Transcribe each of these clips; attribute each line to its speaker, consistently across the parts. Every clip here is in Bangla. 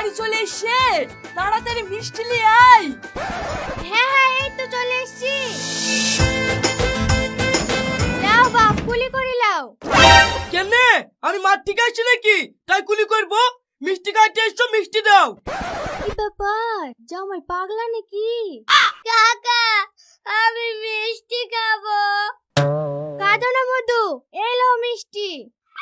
Speaker 1: চলে এসছে, তাড়াতাড়ি মিষ্টি নিয়ে আয়।
Speaker 2: হ্যাঁ হ্যাঁ, এই তো চলে এসছি। লাও বাপ, কুলি করে লাও।
Speaker 3: কেনে আমি মাঠ থেকে আসছি নাকি তাই কুলি করবো? মিষ্টি খাইতে এসছো, মিষ্টি দাও।
Speaker 2: কি ব্যাপার, জামাই পাগলা নাকি? কাকা, আমি মিষ্টি খাবো। কাঁদো না মধু, এই লাও মিষ্টি।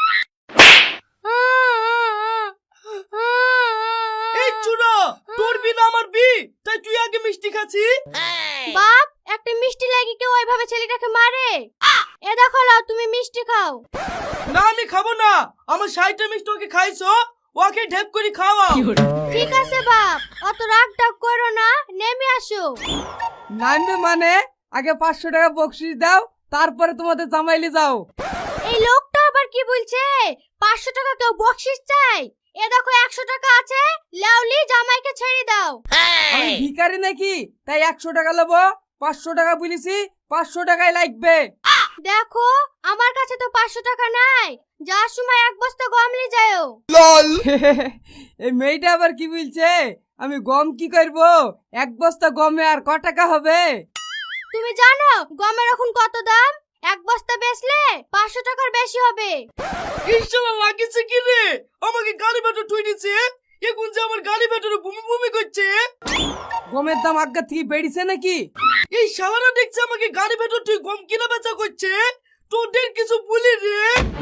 Speaker 3: এই চুরা, তোর বিনা আমার বি, তাই তুই আগে মিষ্টি খাচ্ছি।
Speaker 2: বাপ, একটা মিষ্টি লাগি কেউ ওইভাবে ছেলেটাকে মারে? এ দেখো লাও, তুমি মিষ্টি খাও।
Speaker 3: না আমি খাবো না, আমার 60টা মিষ্টি ওকে খাইছো, ওকে ঢেপ করে খাওয়া।
Speaker 2: ঠিক আছে বাপ, অত রাগ টাগ করো না, নেমে আসো।
Speaker 1: নামবে মানে আগে 500 টাকা বকশিস দাও, তারপরে তোমাদের জামাইলে যাও।
Speaker 2: এই লোকটা আবার কি বলছে? 500 টাকা কেউ বকশিস চাই? এ দেখো 100 টাকা আছে, লাউলি জামাইকে ছেড়ে দাও।
Speaker 1: আমি ভিখারি নাকি তাই 100 টাকা নেবো? 500 টাকা বলেছি, 500 টাকাই লাগবে।
Speaker 2: দেখো আমার কাছে তো 500 টাকা নাই, যার সময় এক বস্তা গম নিয়ে যাও।
Speaker 1: এই মেয়েটা আবার কি বলছে? আমি গম কি করব? এক বস্তা গমে আর ক টাকা হবে?
Speaker 2: তুমি জানো গমের এখন কত দাম? এক বস্তা বেচলে 500 টাকার বেশি হবে।
Speaker 3: ইনশাআল্লাহ লাগিছে কি রে, আমাকে গাড়ি ভেতর ঠুই দিছে, এখন যে আমার গাড়ি ভেতরে বুমি বুমি করছে।
Speaker 1: গমের দাম আগের থেকে বেড়েছে নাকি?
Speaker 3: এই শালারা দেখছে আমাকে গাড়ি ভেতর তুই গম কিনা বেচা করছে, তোদের কিছু বলি রে।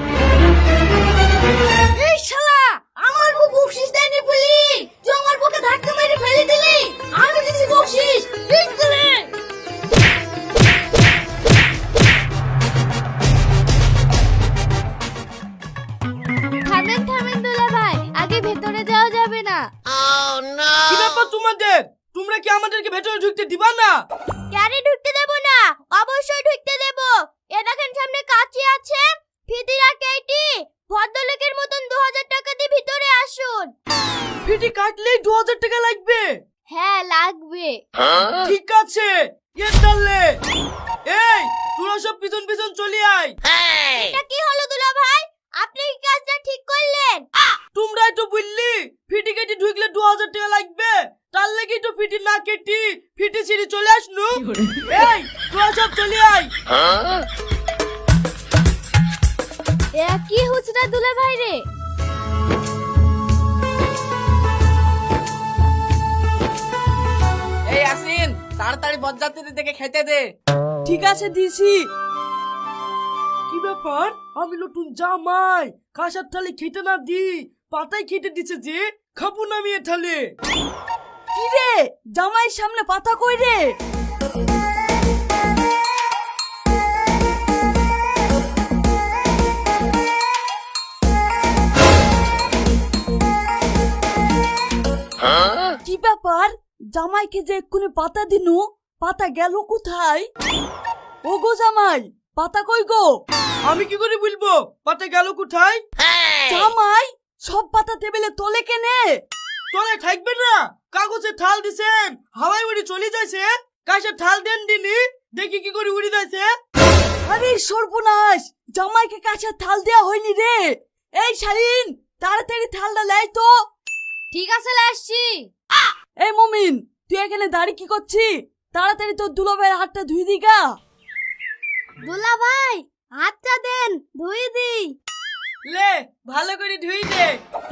Speaker 2: এই শালা, আমার বউ বকশিস দেয়নি বলি তুই আমার বউকে ধাক্কা মেরে ফেলে দিলি। আমি দিছি বকশিস, ঠিক করে। থামেন থামেন দুলা ভাই, আগে ভেতরে যাওয়া যাবে না।
Speaker 3: কি ব্যাপার তোমাদের? তোমরা কি আমাদেরকে ভেতরে ঢুকতে দিবা না?
Speaker 2: ক্যারে ঢুকতে দেব না? অবশ্যই ঢুকতে দেব। এ দেখেন সামনে কাঁচি আছে, ফিদিরা কেটে ভদ্রলোকের মতন 2000 টাকা দিয়ে ভিতরে আসুন।
Speaker 3: ফিটি কাটলেই 2000 টাকা লাগবে?
Speaker 2: হ্যাঁ লাগবে।
Speaker 3: ঠিক আছে, এ চললে। এই তোরা সব পিছন পিছন চলে আয়।
Speaker 2: এটা কি হলো দুলা ভাই, আপনি কি কাজটা ঠিক করলেন?
Speaker 3: তোমরাই তো বললি ফিটি কেটে ঢুকলে 2000 টাকা লাগবে, তার লাগি তো ফিটি না কেটে ফিটি ছিঁড়ে চলে আসনু। এই তোরা সব চলে আয়।
Speaker 2: এ কি হচ্ছে না দুলা ভাই রে?
Speaker 1: এই আসিন, তাড়াতাড়ি বজ্জাতিদের দেখে খেতে দে। ঠিক আছে দিছি।
Speaker 3: কি ব্যাপার, আমি নতুন জামাই, কাঁসার থালে খেতে না দি পাতায় খেতে দিছে যে, খাবো না আমি এ থালে।
Speaker 1: কি রে, জামাইয়ের সামনে পাতা কই রে? কি ব্যাপার, জামাইকে যে এক্ষুনি পাতা দিনু, পাতা গেল কোথায়? ও গো জামাই, পাতা কই গো?
Speaker 3: আমি কি করে বলবো পাতা গেল কোথায়?
Speaker 1: জামাই, সব পাতা টেবিলে তোলে কেনে?
Speaker 3: তোলে থাকবে না, কাগজে থাল দিছেন, হাওয়ায় উড়ে চলে যাইছে। কাঁসার থাল দেন দিনি, দেখি কি করে উড়ে যাইছে।
Speaker 1: আরে সর্বনাশ, জামাইকে কাছে থাল দেয়া হয়নি রে। এই শাহিন, তাড়াতাড়ি থালটা লাই তো।
Speaker 2: ঠিক আছে আসছি।
Speaker 1: এই মমিন, তুই এখানে দাঁড়িয়ে কি করছিস? তাড়াতাড়ি তোর দুলাভাইয়ের হাতটা ধুই দিগা।
Speaker 2: দুলা ভাই হাতটা দেন, ধুই দি।
Speaker 3: লে ভালো করে ধুই দে।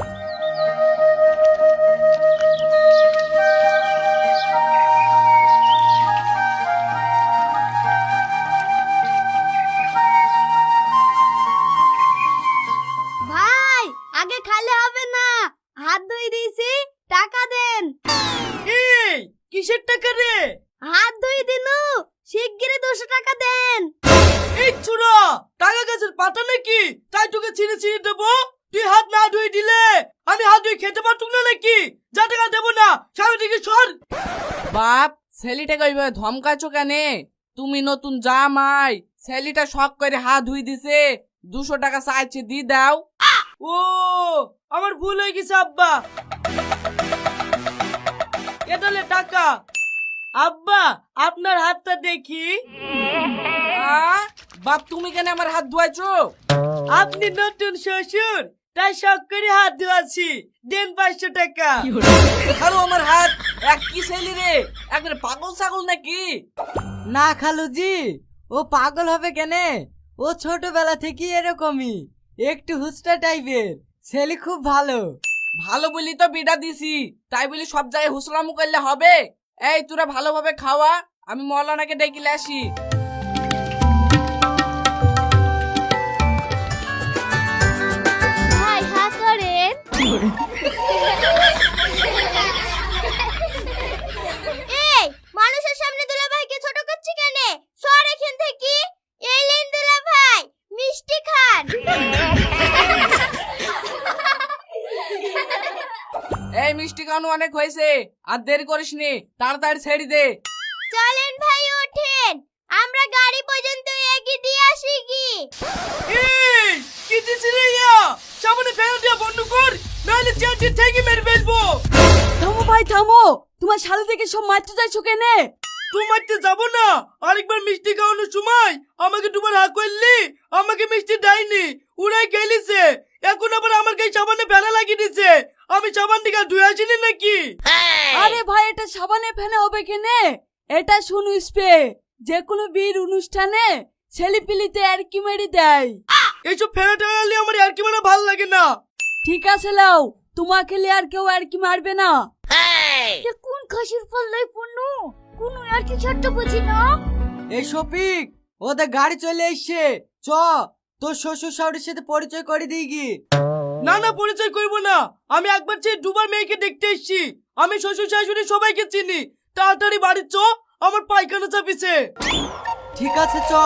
Speaker 2: ভাই আগে খালে হবে না, হাত ধুই দিয়েছি, টাকা দেন।
Speaker 3: এই কিসের টাকা রে?
Speaker 2: হাত ধুই দিনু, শিগগিরই 200 টাকা দেন।
Speaker 3: এই চুরা, টাকা গাছের পাতা নাকি তাই তোকে ছিঁড়ে ছিঁড়ে দেবো? তুই হাত না ধুই দিলে আমি হাত ধুই খেতে পারতুম না নাকি? যা টাকা দেবো না, সামনে থেকে সর।
Speaker 4: বাপ, ছেলেটাকে ওইভাবে ধমকাছো কেনে? তুমি নতুন জামাই, ছেলেটা শখ করে হাত ধুই দিছে, 200 টাকা চাইছে, দি দাও।
Speaker 3: ও আমার ভুল হয়ে গেছে আব্বা, এটালে টাকা। আব্বা আপনার হাতটা দেখি।
Speaker 4: বাপ, তুমি কেন আমার হাত ধোয়াইছো?
Speaker 3: আপনি নতুন শ্বশুর, তাই শখ করে হাত ধোয়াছি, দেন 500 টাকা।
Speaker 4: খালু আমার হাত এক কি ছেলে রে, একবারে পাগল ছাগল নাকি?
Speaker 5: না খালুজি, ও পাগল হবে কেনে? ও ছোটবেলা থেকে এরকমই, একটু হুস্টা টাইপের ছেলে, খুব ভালো।
Speaker 4: ভালো বলি তো বিটা দিছি, তাই বলি সব জায়গায় হুসলামু করলে হবে? এই তোরা ভালোভাবে খাওয়া, আমি মৌলানাকে ডেকে আসি।
Speaker 2: ভাই হা করেন। এই মানুষের সামনে দুলা ভাইকে ছোট করছি কেন? সর এখান থেকে। এই লেন দুলা ভাই, মিষ্টি খান।
Speaker 4: এই মিষ্টি খাওয়ানো অনেক হয়েছে, আর দেরি করিস নি, তাড়াতাড়ি ছেড়ে দে।
Speaker 2: চলেন ভাই ওঠেন, আমরা গাড়ি পর্যন্ত এগিয়ে দিয়ে আসি কি।
Speaker 3: এই কি দিছিস রে ইয়া? সামনে ফেলে দিয়া বন্ধ কর, নাহলে চেঁচিয়ে থেকে মেরে ফেলবো।
Speaker 1: থামো ভাই থামো, তোমার শালি থেকে সব মারতে যাইছো কেনে?
Speaker 3: তুই মারতে যাবো না? আরেকবার মিষ্টি খাওয়ানোর সময় আমাকে দুবার হাঁ করলি, আমাকে মিষ্টি দেয়নি, উড়াই গেলিছে। এখন আবার আমার গায়ে সাবানে ফেলা লাগিয়ে দিছে, আমি সাবান দিকে ধুয়ে আসিনি নাকি?
Speaker 1: আরে ভাই এটা সাবানে ফেনা হবে কেনে? এটা শুনু স্প্রে, যে কোনো বিয়ের অনুষ্ঠানে ছেলেপিলিতে আর কি মেরে দেয়।
Speaker 3: এইসব ফেলা টেলালি আমার আর কি মানে ভালো লাগে না।
Speaker 1: ঠিক আছে লাও, তোমাকে লিয়ে আর কেউ আর কি মারবে না।
Speaker 2: কোন খাসির পাল্লাই পড়নু? কোন আর কি ছোট্ট বুঝি না।
Speaker 5: এই শফিক, ওদের গাড়ি চলে এসছে, চ তোর শ্বশুর শাশুড়ির সাথে পরিচয় করে দিই গি।
Speaker 3: না না, পরিচয় করবো না, আমি একবার চেয়ে দুবার মেয়েকে দেখতে এসেছি, আমি শ্বশুর শাশুড়ি সবাইকে চিনি। তাড়াতাড়ি বাড়ি চ, আমার পায়খানা চাপিছে।
Speaker 5: ঠিক আছে চ।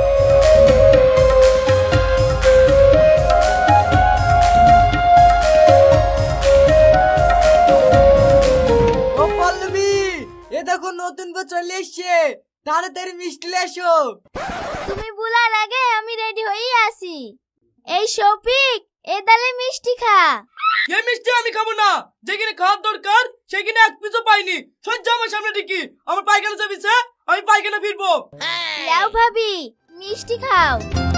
Speaker 5: ও পল্লবী, এ দেখো নতুন বউ চলে এসছে, তাড়াতাড়ি মিষ্টি নিয়ে এসো।
Speaker 2: তুমি বলার আগে আমি রেডি হয়ে আসি। এই শফিক, এ দালে মিষ্টি খা।
Speaker 3: এই মিষ্টি আমি খাবো না, যেখানে খাওয়ার দরকার সেখানে এক পিসও পাইনি। সহ্য আমার সামনে দেখি, আমার পায়খানা চাপিছে, আমি পায়খানা ফিরবো।
Speaker 2: লাও ভাবি, মিষ্টি খাও।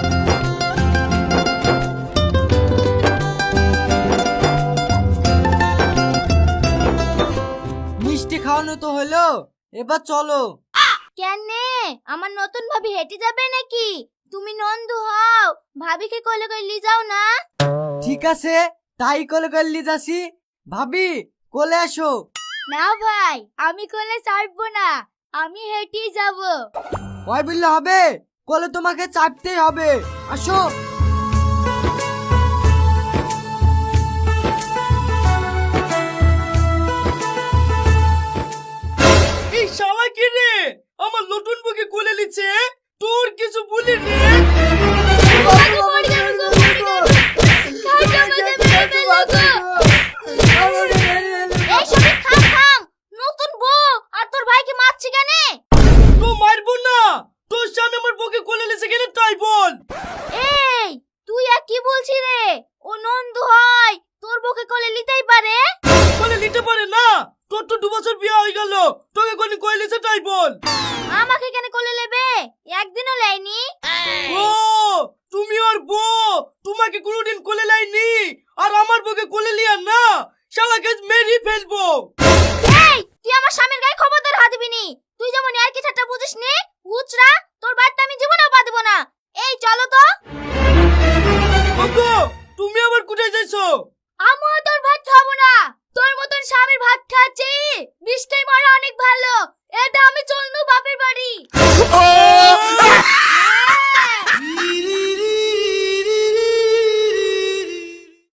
Speaker 5: মিষ্টি খাওয়ানো তো হলো, এবার চলো।
Speaker 2: কেন, আমার নতুন ভাবি হেঁটে যাবে নাকি? তুমি নন্দু হও, ভাবিকে কোলে করে লি যাও না।
Speaker 5: ঠিক আছে, তাই কোলে করে নিয়ে যাচ্ছি। ভাবি কোলে আসো।
Speaker 2: না ভাই, আমি কোলে চাপবো না, আমি হেঁটেই যাব।
Speaker 5: ওই বললে হবে, কোলে তোমাকে চাপতেই হবে, আসো।
Speaker 3: এই শালা কি রে, আমার নতুন বউকে কোলে নিচ্ছে, তোর কিছু বলি রে?
Speaker 2: এই শফিক, থাম থাম। নতুন বউ আর তোর ভাইকে মারছি কেন?
Speaker 3: তো মারবো না, তোর সামনে আমার বউকে কোলে নিচ্ছে কেন তাই বল।
Speaker 2: এই তুই আর কি বলছিস রে? ও নন্দু হয়, তোর বউকে কোলে নিতেই পারে।
Speaker 3: কোলে নিতে পারে না? তোর তো 2 বছর বিয়ে হয়ে গেল, তোকে কোলে কোলে নিচ্ছে তাই বল।
Speaker 2: আমাকে কেন কোলে নেবে? একদিনও লাইনি।
Speaker 3: ও তুমি আর বউ, তোমাকে কোনোদিন কোলে লাইনি, আর আমার বউকে কোলে লিয়া না, শালাকে মেরে ফেলবো।
Speaker 2: এই তুই আমার স্বামীর গায়ে খবরদার হাত দিবি নি। তুই যেমন আর কি ঠাট্টা বুঝিস নি, উচরা তোর বাড়িতে আমি জীবনেও পা দেব না। এই চলো তো।
Speaker 3: ওগো, তুমি আবার কোথায় যাইছো?
Speaker 2: আমিও তোর ভাত খাবো না, তোর মতন স্বামীর ভাত খাচ্ছি, বৃষ্টি মারা অনেক ভালো। এটা আমি চলনু বাপের বাড়ি।